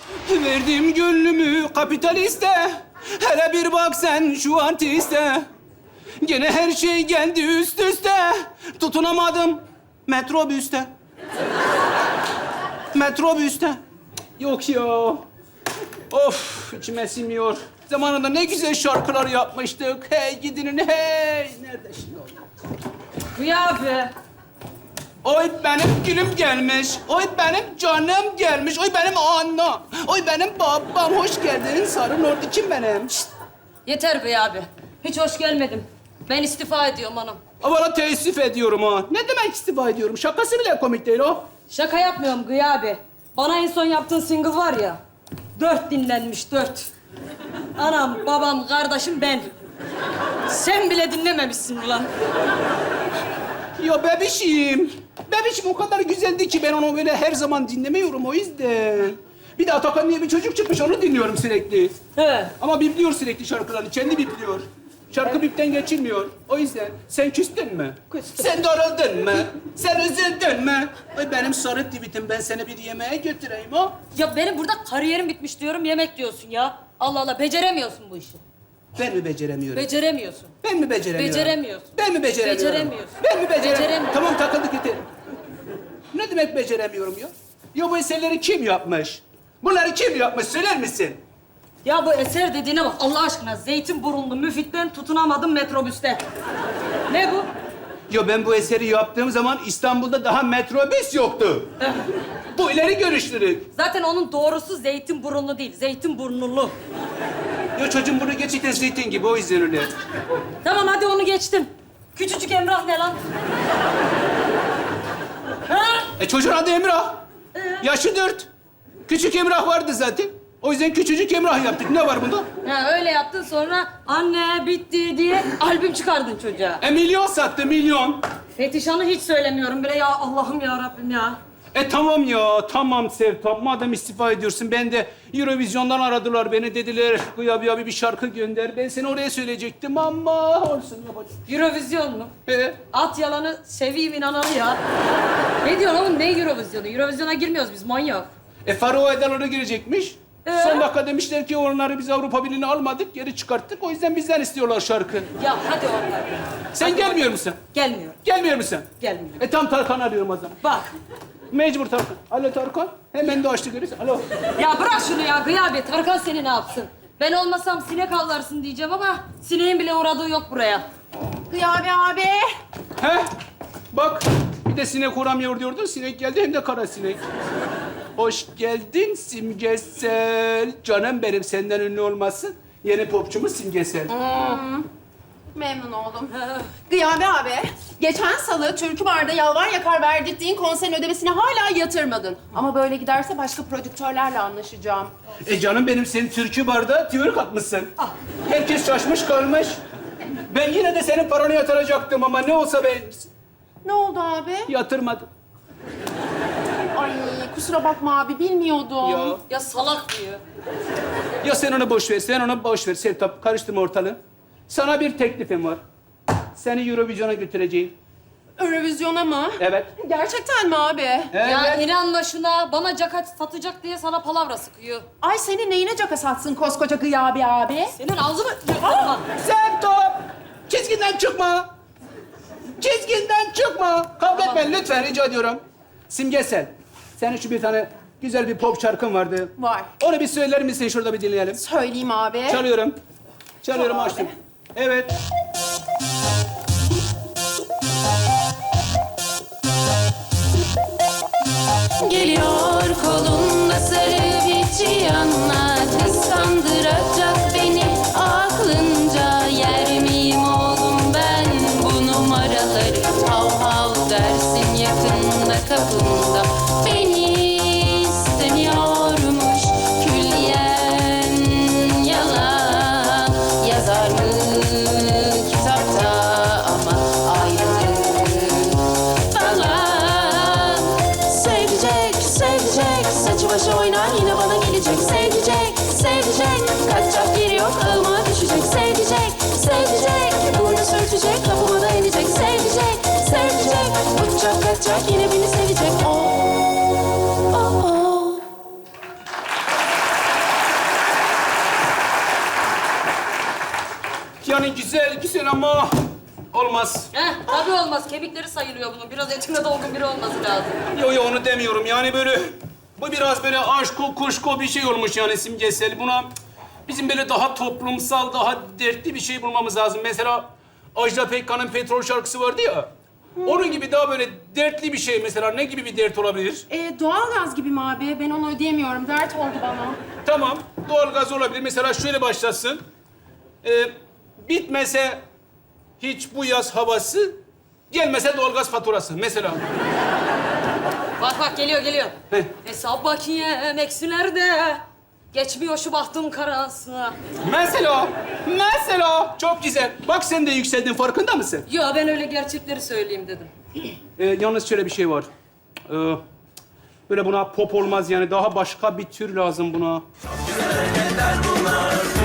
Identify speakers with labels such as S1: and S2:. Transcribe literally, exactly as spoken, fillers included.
S1: Verdim gönlümü kapitaliste. Hele bir bak sen şu artiste. Gene her şey geldi üst üste. Tutunamadım metrobüste. Metrobüste. Yok ya. Of, içime sinmiyor. Zamanında ne güzel şarkılar yapmıştık. Hey gidinin hey. Nerede şimdi o?
S2: Kıyabe.
S1: Oy benim gülüm gelmiş. Oy benim canım gelmiş. Oy benim annem. Oy benim babam. Hoş geldin sarı ordu. Kim benim? Şişt.
S2: Yeter Kıyabe. Hiç hoş gelmedim. Ben istifa ediyorum hanım.
S1: Valla teessüf ediyorum ha. Ne demek istifa ediyorum? Şakası bile komik değil o.
S2: Şaka yapmıyorum Kıyabe. Bana en son yaptığın single var ya. Dört dinlenmiş, dört. Anam, babam, kardeşim, ben. Sen bile dinlememişsin ulan.
S1: Ya bebişim. Bebişim o kadar güzeldi ki ben onu böyle her zaman dinlemiyorum o yüzden. Bir de Atakan diye bir çocuk çıkmış onu dinliyorum sürekli.
S2: He.
S1: Ama bipliyor sürekli şarkılarını. Kendi bipliyor. Şarkı bipten geçilmiyor. O yüzden sen küstün mü?
S2: Küstüm.
S1: Sen darıldın mı? Sen üzüldün mü? Ay benim sarı tweetim ben seni bir yemeğe götüreyim ha.
S2: Ya benim burada kariyerim bitmiş diyorum, yemek diyorsun ya. Allah Allah, beceremiyorsun bu işi.
S1: Ben mi beceremiyorum?
S2: Beceremiyorsun.
S1: Ben mi beceremiyorum?
S2: Beceremiyorsun.
S1: Ben mi beceremiyorum?
S2: Beceremiyorsun.
S1: Ben mi beceremiyorum?
S2: Beceremiyorsun.
S1: Tamam takıldık yeter. Ne demek beceremiyorum ya? Ya bu eserleri kim yapmış? Bunları kim yapmış söyler misin?
S2: Ya bu eser dediğine bak Allah aşkına. Zeytinburunlu müfitten tutunamadım metrobüste. Ne bu?
S1: Ya ben bu eseri yaptığım zaman İstanbul'da daha metrobüs yoktu. Bu ileri görüşlülük.
S2: Zaten onun doğrusu Zeytinburunlu değil, Zeytinburnulu.
S1: Ya çocuğun bunu gerçekten zeytin gibi o yüzden öyle.
S2: Tamam hadi onu geçtim. Küçücük Emrah ne lan? Ha?
S1: E çocuğun adı Emrah. Yaşı dört. Küçük Emrah vardı zaten. O yüzden küçücük Emrah yaptık. Ne var bunda?
S2: Ha, öyle yaptın sonra anne bitti diye albüm çıkardın çocuğa.
S1: E milyon sattı, milyon.
S2: Fetişan'ı hiç söylemiyorum bile ya Allah'ım ya Rabbim ya.
S1: E tamam ya, tamam Sevtap. Madem istifa ediyorsun, ben de Eurovision'dan aradılar beni. Dediler, Gıyabi abi bir şarkı gönder. Ben seni oraya söyleyecektim ama olsun yapacağım.
S2: Eurovizyon mu?
S1: E,
S2: At yalanı seveyim inananı ya. Ne diyorsun oğlum ne Eurovizyonu? Eurovizyona girmiyoruz biz manyak.
S1: e Faro Adaları girecekmiş.
S2: Ee?
S1: Son dakika demişler ki onları biz Avrupa Birliği'ne almadık, geri çıkarttık. O yüzden bizden istiyorlar şarkı.
S2: Ya hadi oradan.
S1: Sen gelmiyor musun?
S2: Gelmiyor.
S1: Gelmiyor musun?
S2: Gelmiyor.
S1: E tam Tarkan arıyorum o zaman.
S2: Bak.
S1: Mecbur Tarkan. Alo Tarkan. Hemen de açtı görüyorsun. Alo.
S2: Ya bırak şunu ya Gıyabi. Tarkan seni ne yapsın? Ben olmasam sinek avlarsın diyeceğim ama sineğin bile uğradığı yok buraya.
S3: Gıyabi abi.
S1: He? Bak bir de sinek uğramıyor diyordun. Sinek geldi hem de kara sinek. Hoş geldin Simgesel. Canım benim senden ünlü olmasın. Yeni popçumuz Simgesel.
S3: Memnun oldum. Gıyabi abi, geçen salı Türkü Bar'da yalvar yakar verdirttiğin konserin ödemesini hala yatırmadın. Ama böyle giderse başka prodüktörlerle anlaşacağım.
S1: E canım benim senin türkü barda tüyörük atmışsın. Herkes şaşmış kalmış. Ben yine de senin paranı yatıracaktım ama ne olsa ben
S3: Ne oldu abi?
S1: yatırmadım.
S3: Ay kusura bakma abi, bilmiyordum.
S1: Ya.
S2: Ya salak diyor.
S1: Ya sen onu boş ver, sen onu boş ver Sevtap. Karıştırma ortalığı. Sana bir teklifim var. Seni Eurovision'a götüreceğim.
S3: Eurovizyona mı?
S1: Evet.
S3: Gerçekten mi abi?
S1: Evet.
S2: Ya inanma şuna. Bana caka satacak diye sana palavra sıkıyor.
S3: Ay senin neyine caka satsın koskoca Gıyabi abi?
S2: Senin ağzını... Aa!
S1: Sevtap! Çizginden çıkma! Çizginden çıkma! Kavga etmeyin lütfen rica ediyorum. Simgesel, senin şu bir tane güzel bir pop şarkın vardı.
S3: Var.
S1: Onu bir söyler misin? Şurada bir dinleyelim.
S3: Söyleyeyim abi.
S1: Çalıyorum. Çalıyorum,
S3: Çal abi.
S1: açtım. Evet.
S4: Geliyor kolunda sarı bir cihanla, kıskandıracak beni aklınca. Yer miyim oğlum ben bu numaraları? Hav hav dersin yakında kapında. Beni istemiyormuş külliyen, yalan yazar mı kitapta ama ayrılık falan. Sevecek, sevecek, saçı başı oynar yine bana gelecek. Sevecek, sevecek, kaçacak yeri yok ağıma düşecek. Sevecek, sevecek, burnu sürtecek, kapıma da inecek. Sevecek, sevecek, uçacak kaçacak yine beni sevecek. Oh, oh, oh.
S1: Yani güzel, güzel ama olmaz.
S2: Heh, tabii olmaz. Kemikleri sayılıyor bunun. Biraz etine dolgun biri olması lazım.
S1: Yo yo onu demiyorum. Yani böyle bu biraz böyle aşko kuşko bir şey olmuş yani simgesel. Buna bizim böyle daha toplumsal, daha dertli bir şey bulmamız lazım. Mesela Ajda Pekkan'ın Petrol şarkısı vardı ya. Onun gibi daha böyle dertli bir şey mesela. Ne gibi bir dert olabilir?
S3: Ee, doğalgaz gibi mi abi? Ben onu ödeyemiyorum. Dert oldu bana.
S1: Tamam, doğalgaz olabilir. Mesela şöyle başlasın. Ee, bitmese hiç bu yaz havası, gelmese doğalgaz faturası mesela.
S2: Bak bak geliyor geliyor.
S1: Heh.
S2: Hesap bakiyem eksilerde. Geçmiyor şu bahtım karası.
S1: Mesela, mesela çok güzel. Bak sen de yükseldin, farkında mısın?
S2: Yo ben öyle gerçekleri söyleyeyim dedim.
S1: Ee, yalnız şöyle bir şey var. Ee, böyle buna pop olmaz yani. Daha başka bir tür lazım buna.
S5: Güzel hareketler bunlar.